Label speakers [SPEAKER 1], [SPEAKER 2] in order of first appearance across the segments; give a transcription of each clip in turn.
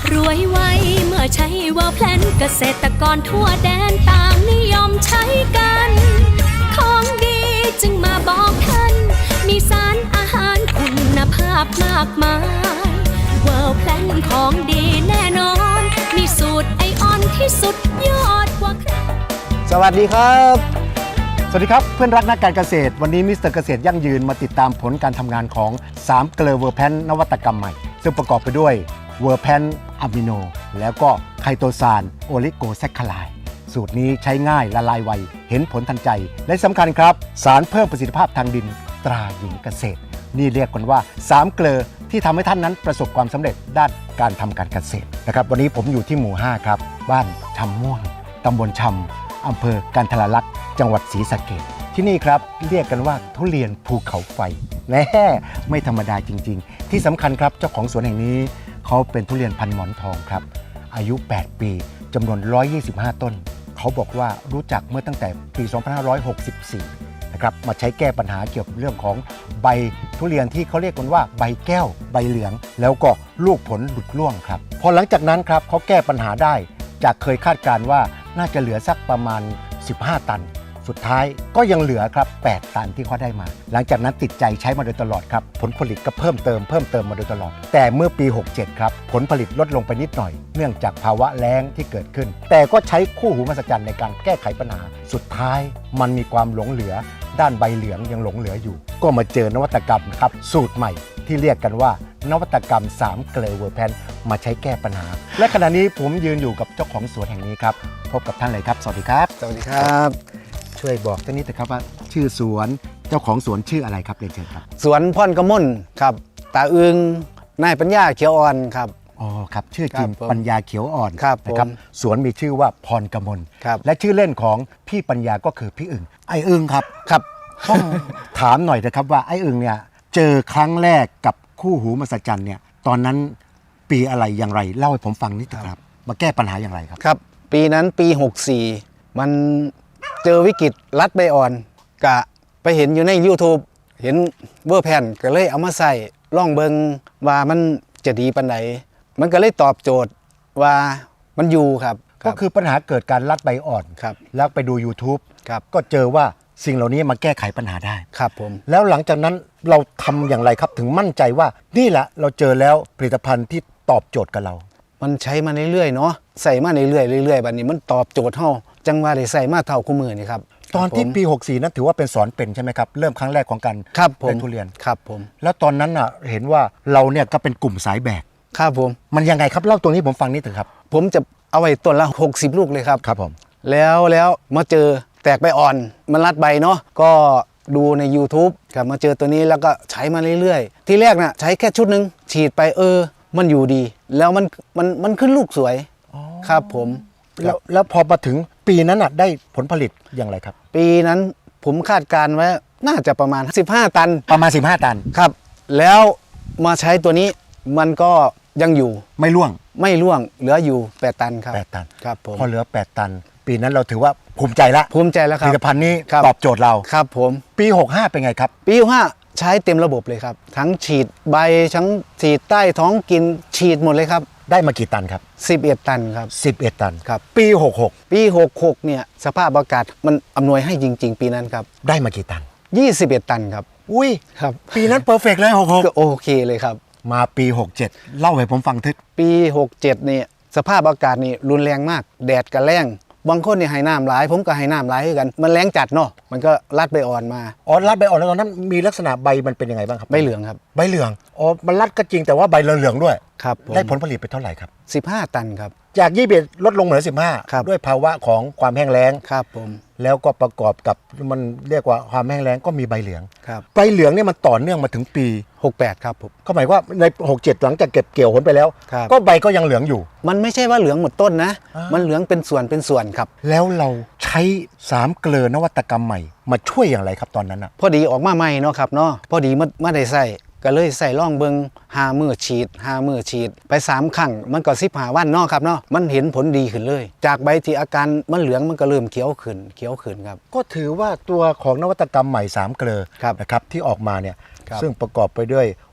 [SPEAKER 1] รวยไวเมื่อใช้เวอร์แพลนเกษตรกรทั่วแดนต่างนิยมใช้กันของดีจึงมาบอกท่านมีสารอาหารคุณภาพมากมายเวอร์แพลนของดีแน่นอนมีสูตรไอออนที่สุดยอดกว่าใคร
[SPEAKER 2] สวัสดีครับ
[SPEAKER 3] สวัสดีครับเพื่อนรักนักการเกษตรวันนี้มิสเตอร์เกษตรยั่งยืนมาติดตามผลการทำงานของ3เกลือเวอร์แพนนวัตกรรมใหม่ซึ่งประกอบไปด้วยเวอร์แพนอะมิโนแล้วก็ไคโตซานโอลิโกแซคคาไลด์สูตรนี้ใช้ง่ายละลายไวเห็นผลทันใจและสำคัญครับสารเพิ่มประสิทธิภาพทางดินตราหญิงเกษตรนี่เรียกกันว่า3เกลือที่ทำให้ท่านนั้นประสบความสำเร็จด้านการทำการเกษตรนะครับวันนี้ผมอยู่ที่หมู่5ครับบ้านชำม่วงตำบลชำอำเภอกันทรลักษณ์จังหวัดศรีสะเกษที่นี่ครับเรียกกันว่าทุเรียนภูเขาไฟแน่ไม่ธรรมดาจริงๆที่สำคัญครับเจ้าของสวนแห่งนี้เขาเป็นทุเรียนพันหมอนทองครับอายุ8ปีจำนวน125ต้นเขาบอกว่ารู้จักเมื่อตั้งแต่ปี2564นะครับมาใช้แก้ปัญหาเกี่ยวกับเรื่องของใบทุเรียนที่เขาเรียกกันว่าใบแก้วใบเหลืองแล้วก็ลูกผลหลุดร่วงครับพอหลังจากนั้นครับเขาแก้ปัญหาได้จากเคยคาดการณ์ว่าน่าจะเหลือสักประมาณ15ตันสุดท้ายก็ยังเหลือครับ8ตันที่เขาได้มาหลังจากนั้นติดใจใช้มาโดยตลอดครับผลผลิตก็เพิ่มเติมมาโดยตลอดแต่เมื่อปี67ครับผลผลิตลดลงไปนิดหน่อยเนื่องจากภาวะแล้งที่เกิดขึ้นแต่ก็ใช้คู่หูมหัศจรรย์ในการแก้ไขปัญหาสุดท้ายมันมีความหลงเหลือด้านใบเหลืองยังหลงเหลืออยู่ก็มาเจอนวัตกรรมครับสูตรใหม่ที่เรียกกันว่านวัตกรรม3เกลือเวอร์แพนมาใช้แก้ปัญหาและขณะนี้ผมยืนอยู่กับเจ้าของสวนแห่งนี้ครับพบกับท่านเลยครับสวัสดีครับ
[SPEAKER 2] สวัสดีครับ
[SPEAKER 3] ช่วยบอกท่านนิดนะครับว่าชื่อสวนเจ้าของสวนชื่ออะไรครับเรียนเชิญครับ
[SPEAKER 2] สวนพ่อนกระม่นครับตาอึงนายปัญญาเขียวอ่อนครับ
[SPEAKER 3] อ๋อครับชื่อจริงปัญญาเขียวอ่อน
[SPEAKER 2] นะครับ
[SPEAKER 3] สวนมีชื่อว่าพรกมลและชื่อเล่นของพี่ปัญญาก็คือพี่อึ่งไอ้อึ่งครับ
[SPEAKER 2] ครับ
[SPEAKER 3] ต้องถามหน่อยนะครับว่าไอ้อึ่งเนี่ยเจอครั้งแรกกับคู่หูมหัศจรรย์เนี่ยตอนนั้นปีอะไรอย่างไรเล่าให้ผมฟังนิดครับมาแก้ปัญหาอย่างไรครับ
[SPEAKER 2] ครับปีนั้นปี64มันเจอวิกฤตรัดใบอ่อนกะไปเห็นอยู่ใน YouTube เห็นเวอร์แพนก็เลยเอามาใส่ล่องเบิงว่ามันจะดีปันไหนมันก็เลยตอบโจทย์ว่ามันอยู่ครับ
[SPEAKER 3] ก็คือปัญหาเกิดการรัดใบอ่อน
[SPEAKER 2] ครับ
[SPEAKER 3] แล้วไปดู YouTube
[SPEAKER 2] ครับ
[SPEAKER 3] ก็เจอว่าสิ่งเหล่านี้มาแก้ไขปัญหาได้
[SPEAKER 2] ครับผม
[SPEAKER 3] แล้วหลังจากนั้นเราทำอย่างไรครับถึงมั่นใจว่านี่แหละเราเจอแล้วผลิตภัณฑ์ที่ตอบโจทย์กับเรา
[SPEAKER 2] มันใช้มาเรื่อยๆเนาะใส่มาเรื่อยๆบัดนี้มันตอบโจทย์เฮาจังว่าได้ใส่มาเท่าคู่มือนี่ครับ
[SPEAKER 3] ตอนที่ปี64นั้นถือว่าเป็นสอนเป็นใช่ไหมครับเริ่มครั้งแรกของการเล่นทุเรียน
[SPEAKER 2] ครับผม
[SPEAKER 3] แล้วตอนนั้นอ่ะเห็นว่าเราเนี่ยก็เป็นกลุ่มสายแบก
[SPEAKER 2] ครับผม
[SPEAKER 3] มันยังไงครับเล่าตรงนี้ผมฟังนิดนึงครับ
[SPEAKER 2] ผมจะเอาไว้ต้นละ60ลูกเลยครับ
[SPEAKER 3] ครับผม
[SPEAKER 2] แล้วมาเจอแตกใบอ่อนมันรัดใบเนาะก็ดูใน YouTube ครับมาเจอตัวนี้แล้วก็ใช้มาเรื่อยๆที่แรกน่ะใช้แค่ชุดนึงฉีดไปมันอยู่ดีแล้วมันขึ้นลูกสวยครับผม
[SPEAKER 3] แล้วพอมาถึงปีนั้นน่ะได้ผลผลิตอย่างไรครับ
[SPEAKER 2] ปีนั้นผมคาดการไว้น่าจะประมาณ15ตัน
[SPEAKER 3] ประมาณ15ตัน
[SPEAKER 2] ครับแล้วมาใช้ตัวนี้มันก็ยังอยู่
[SPEAKER 3] ไม่ร่วง
[SPEAKER 2] เหลืออยู่8ตันครับ
[SPEAKER 3] 8ตัน
[SPEAKER 2] ครับผม
[SPEAKER 3] พอเหลือ8ตันปีนั้นเราถือว่าภูมิใจแล้ว
[SPEAKER 2] ครับ
[SPEAKER 3] ผลิตภัณฑ์นี้ตอบโจทย์เรา
[SPEAKER 2] ครับผม
[SPEAKER 3] ปี65เป็นไงครับ
[SPEAKER 2] ปี65ใช้เต็มระบบเลยครับทั้งฉีดใบทั้งฉีดใต้ท้องกินฉีดหมดเลยครับ
[SPEAKER 3] ได้มากี่ตันครับ
[SPEAKER 2] 11ตันครับ
[SPEAKER 3] 11ตัน
[SPEAKER 2] ครับ
[SPEAKER 3] ปี
[SPEAKER 2] 66เนี่ยสภาพอากาศมันอำนวยให้จริงๆปีนั้นครับ
[SPEAKER 3] ได้มากี่ตัน
[SPEAKER 2] 21ตันครับ
[SPEAKER 3] อุ้ย
[SPEAKER 2] ครับ
[SPEAKER 3] ปีนั้นเพอร์เฟกต์เลย66
[SPEAKER 2] ก็โอเคเลยครับ
[SPEAKER 3] มาปี67เล่าให้ผมฟังทึก
[SPEAKER 2] ปี67เนี่ยสภาพอากาศนี่รุนแรงมากแดดกับแรงบางคนเนี่ยให้น้ำหลายผมก็ให้น้ำหลายกันมันแรงจัดเนาะมันก็รัดใบอ่อนมา
[SPEAKER 3] รัดใบอ่อนแล้วตอนนั้นมีลักษณะใบมันเป็นยังไงบ้างครับ
[SPEAKER 2] ใบเหลืองครับ
[SPEAKER 3] ใบเหลืองมันรัดก็จริงแต่ว่าใบเหลืองด้วย
[SPEAKER 2] ครับ
[SPEAKER 3] ได้ผลผลิตไปเท่าไหร่ครับ
[SPEAKER 2] 15ตันครับ
[SPEAKER 3] จาก21ลดลงเหลือ15ด้วยภาวะของความแห้งแล้ง
[SPEAKER 2] ครับผม
[SPEAKER 3] แล้วก็ประกอบกับมันเรียกว่าความแห้งแล้งก็มีใบเหลือง
[SPEAKER 2] ครับ
[SPEAKER 3] ใบเหลืองเนี่ยมันต่อเนื่องมาถึงปี
[SPEAKER 2] 68ครับผม
[SPEAKER 3] ก็หมายว่าใน67หลังจากเก็บเกี่ยวผลไปแล้วก็ใบก็ยังเหลืองอยู่
[SPEAKER 2] มันไม่ใช่ว่าเหลืองหมดต้นนะมันเหลืองเป็นส่วนครับ
[SPEAKER 3] แล้วเราใช้3เกลือนวัตกรรมใหม่มาช่วยอย่างไรครับตอนนั้นอ่ะ
[SPEAKER 2] พอดีออกมาใหม่เนาะครับเนาะพอดีไม่ได้ใส่ก็เลยใส่ล่องเบิง5 มื้อฉีดไป3ครั้งมันก็15วันเนาะครับเนาะมันเห็นผลดีขึ้นเลยจากใบที่อาการมันเหลืองมันก็เริ่มเขียวขึ้นครับ
[SPEAKER 3] ก็ถือว่าตัวของนวัตกรรมใหม่3เกลือนะครับที่ออกมาเนี่ยซึ่งประกอบไปด้วย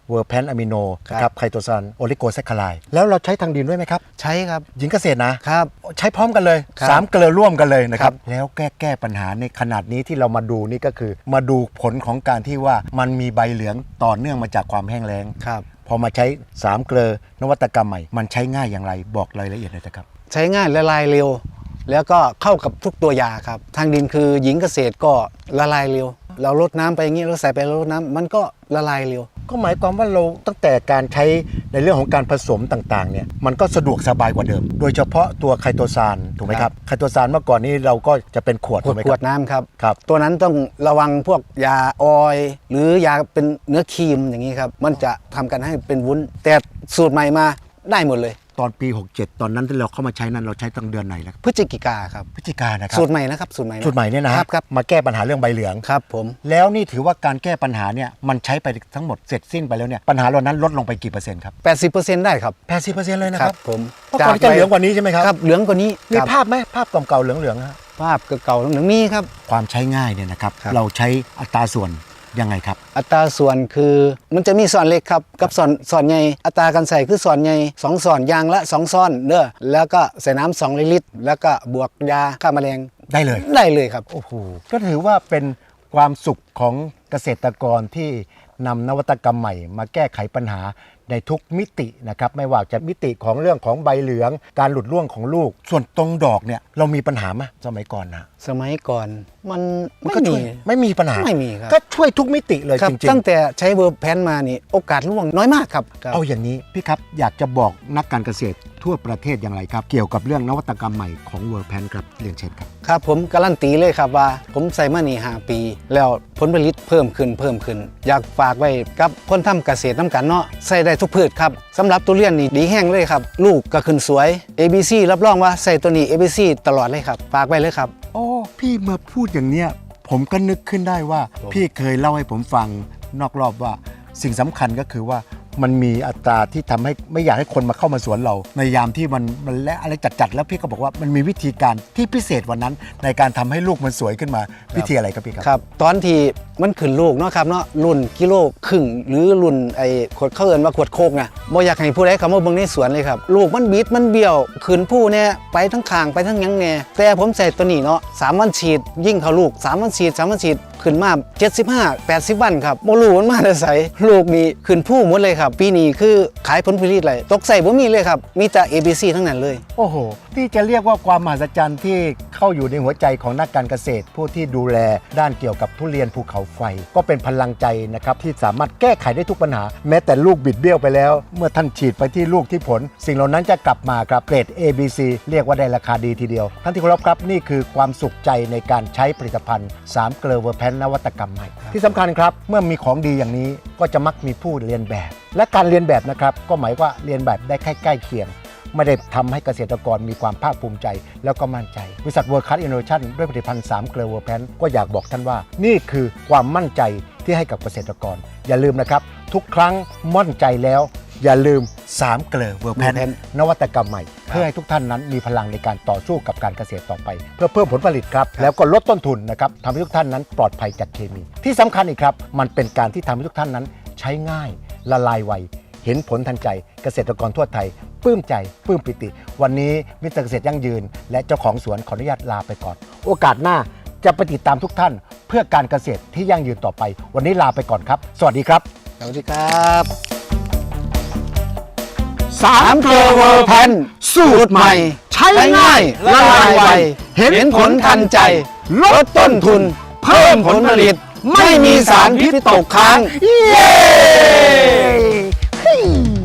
[SPEAKER 3] เวอร์แพนอะมิโน
[SPEAKER 2] ครับ
[SPEAKER 3] นะครับไคโตซานโอลิโกแซคคาไลด์แล้วเราใช้ทางดินด้วยไหมครับ
[SPEAKER 2] ใช้ครับ
[SPEAKER 3] หญิงเกษตรนะครับ ใช้พร้อมกันเลย
[SPEAKER 2] ครับ
[SPEAKER 3] 3 เกลือร่วมกันเลยนะครับ
[SPEAKER 2] ครับ
[SPEAKER 3] แล้วแก้ปัญหาในขนาดนี้ที่เรามาดูนี่ก็คือ มาดูผลของการที่ว่ามันมีใบเหลืองต่อเนื่องมาจากความแห้งแล้ง
[SPEAKER 2] ครับ
[SPEAKER 3] พอมาใช้3 เกลือนวัตกรรมใหม่มันใช้ง่ายอย่างไรบอกรายละเอียดเลยนะครับ
[SPEAKER 2] ใช้ง่ายละลายเร็ว แล้วก็เข้ากับทุกตัวยาครับ ทางดินคือหญิงเกษตรก็ละลายเร็ว เราลดน้ำไปอย่างนี้เราใส่ไปเราลดน้ำมันก็ละลายเร็ว
[SPEAKER 3] ก็หมายความว่าเราตั้งแต่การใช้ในเรื่องของการผสมต่างๆเนี่ยมันก็สะดวกสบายกว่าเดิม โดยเฉพาะตัวไคโตซานถูกไหมครับไคโตซานเมื่อก่อนนี้เราก็จะเป็นขวดถูกไหม
[SPEAKER 2] ข
[SPEAKER 3] คว รั
[SPEAKER 2] ด
[SPEAKER 3] บ
[SPEAKER 2] น้ำครับ
[SPEAKER 3] ครับ
[SPEAKER 2] ตัวนั้นต้องระวังพวกยาออยล์หรือยาเป็นเนื้อครีมอย่างนี้ครับ มันจะทำกันให้เป็นวุ้น แต่สูตรใหม่มาได้หมดเลย
[SPEAKER 3] ตอนปี 67 ตอนนั้นที่เราเข้ามาใช้นั้นเราใช้ตั้งเดือนไหนแล้วครับ
[SPEAKER 2] พฤศจิกาครับ
[SPEAKER 3] พฤศจิกายนนะครับ
[SPEAKER 2] สูตรใหม่นะครับสูตรใหม่ะ
[SPEAKER 3] สูตรใหม่เนี่ยนะครับ
[SPEAKER 2] ครับ
[SPEAKER 3] มาแก้ปัญหาเรื่องใบเหลือง
[SPEAKER 2] ครับผม
[SPEAKER 3] แล้วนี่ถือว่าการแก้ปัญหาเนี่ยมันใช้ไปทั้งหมดเสร็จสิ้นไปแล้วเนี่ยปัญหาเหล่านั้นลดลงไปกี่เปอร์เซ็นต์ครับ
[SPEAKER 2] 80%ได้ครับ
[SPEAKER 3] 80%เลยนะ
[SPEAKER 2] ค
[SPEAKER 3] ค
[SPEAKER 2] รั
[SPEAKER 3] รั
[SPEAKER 2] บบ ผม
[SPEAKER 3] เมื่อก่อนจะเหลืองกว่านี้ใช่ไหมครับ
[SPEAKER 2] ครับเหลืองกว่านี้
[SPEAKER 3] มี
[SPEAKER 2] ครับ
[SPEAKER 3] ภาพไหมภาพเก่าๆเหลืองๆฮะ
[SPEAKER 2] ภาพเก่าๆเหลืองมีครับ
[SPEAKER 3] ความใช้ง่ายเนี่ยนะครับ
[SPEAKER 2] ครับ
[SPEAKER 3] เราใช้อัตราส่วนยังไงครับ
[SPEAKER 2] อัตราส่วนคือมันจะมีส่วนเล็กครับกับส่วนใหญ่อัตราการใส่คือส่วนใหญ่2ส่วนยางละ2ซ้อนเด้อแล้วก็ใส่น้ำ2ลิตรแล้วก็บวกยาฆ่าแมลง
[SPEAKER 3] ได้เลย
[SPEAKER 2] ได้เลยครับ
[SPEAKER 3] โอ้โหก็ถือว่าเป็นความสุขของเกษตรกรที่นำนวัตกรรมใหม่มาแก้ไขปัญหาในทุกมิตินะครับไม่ว่าจะมิติของเรื่องของใบเหลืองการหลุดร่วงของลูก ส่วนตรงดอกเนี่ยเรามีปัญหาไหมสมัยก่อนนะ
[SPEAKER 2] สมัยก่อนมัน
[SPEAKER 3] มัน
[SPEAKER 2] ไม่
[SPEAKER 3] ก็ช่
[SPEAKER 2] มี
[SPEAKER 3] วยไม่มีปัญหา
[SPEAKER 2] ไม่มีครับ
[SPEAKER 3] ก็ช่วยทุกมิติเลย
[SPEAKER 2] ครับ
[SPEAKER 3] จริง
[SPEAKER 2] ตั้งแต่ใช้เวอร์แพนมานี่โอกาสร่วงน้อยมากครับ
[SPEAKER 3] ๆเอาอย่างนี้พี่ครับอยากจะบอกนักการเกษตรทั่วประเทศอย่างไรครับ เกี่ยวกับเรื่องนวัตกรรมใหม่ของเวอร์แพนครับเรียนเชิญครับ
[SPEAKER 2] ครับผมการันตีเลยครับว่าผมใส่มานี่5 ปี แล้วผลผลิตเพิ่มขึ้น อยากฝากไว้กับคนทำเกษตรน้ำกันเนาะใส่ได้ทุกพืชครับสำหรับทุเรียนนี่ดีแห้งเลยครับลูกก็ขึ้นสวย ABC รับรองว่าใส่ตัวนี้ ABC ตลอดเลยครับฝากไว้เลยครับ
[SPEAKER 3] โอ้พี่มาพูดอย่างเนี้ยผมก็นึกขึ้นได้ว่า
[SPEAKER 2] ผม
[SPEAKER 3] พี่เคยเล่าให้ผมฟังนอกรอบว่าสิ่งสำคัญก็คือว่ามันมีอัตราที่ทำให้ไม่อยากให้คนมาเข้ามาสวนเราในยามที่มันและอะไรจัดๆแล้วพี่ก็บอกว่ามันมีวิธีการที่พิเศษวันนั้นในการทำให้ลูกมันสวยขึ้นมาวิธีอะไรครับพี่ครับ
[SPEAKER 2] ครับตอนที่มันขึ้นลูกเนาะครับเนาะรุ่นกิโลครึ่งหรือรุ่นไอ้ขวดเขาเอิ้นว่าขวดโคกนะบ่อยากให้ผู้ใดเข้ามาเบิ่งในสวนเลยครับลูกมันบิดมันเบี้ยวขึ้นผู้เนี่ยไปทั้งข้างไปทั้งหยังแน่แต่ผมใส่ตัวนี้เนาะ3 วันฉีดยิ่งเข้าลูก3 วันฉีด3 วันฉีดขึ้นมา75 80 วันครับบ่รู้มันมาแต่ไสลูกนี่ขึ้นผู้หมดเลยครับปีนี้คือขายผลผลิตเลยตกใส่บ่มีเลยครับมีแต่ ABC ทั้งนั้นเลย
[SPEAKER 3] โอ้โหที่จะเรียกว่าความมหัศจรรย์ที่เข้าอยู่ในหัวใจของนักการเกษตร ผู้ที่ดูแลด้านเกี่ยวกับทุเรียนภูเขาไฟ ก็เป็นพลังใจนะครับที่สามารถแก้ไขได้ทุกปัญหา แม้แต่ลูกบิดเบี้ยวไปแล้ว เมื่อท่านฉีดไปที่ลูกที่ผล สิ่งเหล่านั้นจะกลับมาครับเกรด ABC เรียกว่าได้ราคาดีทีเดียวท่านที่เคารพครับนี่คือความสุขใจในการใช้ผลิตภัณฑ์3 เกลอเวอร์แพนนวัตกรรมใหม่ที่สำคัญครับเมื่อมีของดีอย่างนี้ก็จะมักมีผู้เรียนแบบ และการเรียนแบบนะครับก็หมายว่าเรียนแบบได้ใกล้เคียง ไม่ได้ทำให้เกษตรกรมีความภาคภูมิใจแล้วก็มั่นใจบริษัท World Class Innovation ด้วยผลิตภัณฑ์3 เกลือเวอร์แพนก็อยากบอกท่านว่านี่คือความมั่นใจที่ให้กับเกษตรกร อย่าลืมนะครับทุกครั้งมั่นใจแล้วอย่าลืม3 เกลือเวอร์แพนนวัตกรรมใหม่เพื่อให้ทุกท่านนั้นมีพลังในการต่อสู้กับการเกษตรต่อไป เพื่อเพิ่มผลผลิตครับแล้วก็ลดต้นทุนนะครับทำให้ทุกท่านนั้นปลอดภัยจากเคมีที่สำคัญอีกครับมันเป็นการที่ทำให้ทุกท่านนั้นใช้ง่ายละลายไวเห็นผลทันใจเกษตรกรทั่วไทยปลื้มใจปลื้มปิติวันนี้มิสเตอร์เกษตรยั่งยืนและเจ้าของสวนขออนุญาตลาไปก่อนโอกาสหน้าจะไปติดตามทุกท่านเพื่อการเกษตรที่ยั่งยืนต่อไปวันนี้ลาไปก่อนครับสวัสดีครับ
[SPEAKER 2] สวัสดีครับ
[SPEAKER 3] 3
[SPEAKER 2] เกลือเวอร์แพนสูตรใหม่ใช้ง่ายละลายไวเห็นผลทันใจลดต้นทุนเพิ่มผลผลิตไม่มีสารพิษตกค้าง
[SPEAKER 3] เย้